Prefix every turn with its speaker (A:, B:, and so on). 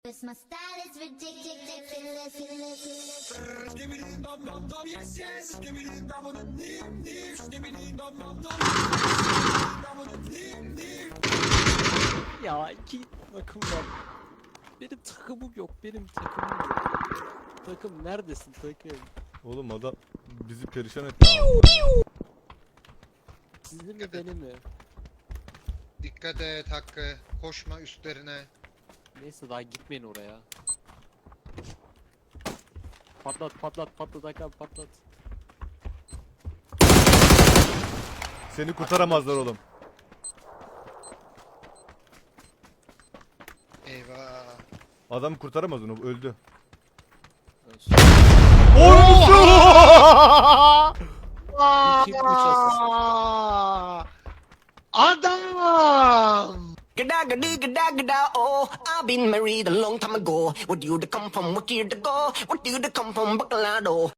A: My style is ridiculous.
B: Ya iki takım var. Benim takımım yok. Benim takımım yok. Takım neredesin takım?
C: Oğlum adam bizi perişan etti.
B: Sizin mi benim mi?
D: Dikkat et Hakkı. Koşma üstlerine.
B: Neyse daha gitmeyin oraya. Patlat Hakan patlat.
C: Seni kurtaramazlar oğlum.
D: Eyvah.
C: Adam kurtaramaz onu, öldü.
B: Ölsün. Kim uçasın?
D: Adam!
E: Gada gada gada gada oh, I've been married a long time ago. Where do you come from? Where do you go? Where do you come from? Bacolado.